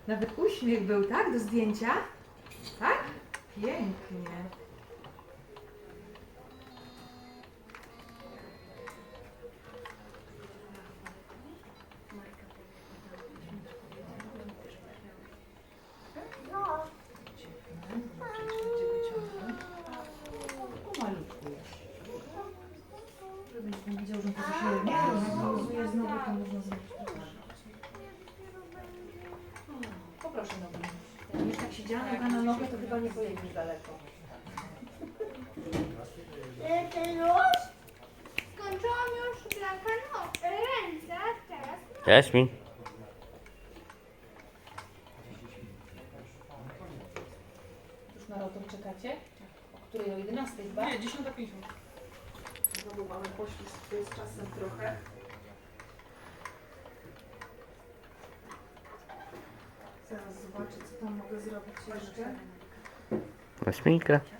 Nawet uśmiech był, tak? Do zdjęcia? Tak? Pięknie. Pomalutku jeszcze. Żebyś nie widział, że to się nie rozwiązuje znowu, to można zrobić to też. Poproszę nogę. Jak będziesz tak siedziała noga na nogę, to chyba nie pojedziesz daleko. Już? Skończyłam już Blanka ręce, teraz Jaśmin. Już na rotor czekacie? O której? O 11 chyba? Nie, 10:50. Znowu mamy poślizg z czasem trochę. Zaraz zobaczę, co tam mogę zrobić jeszcze. Jaśminka.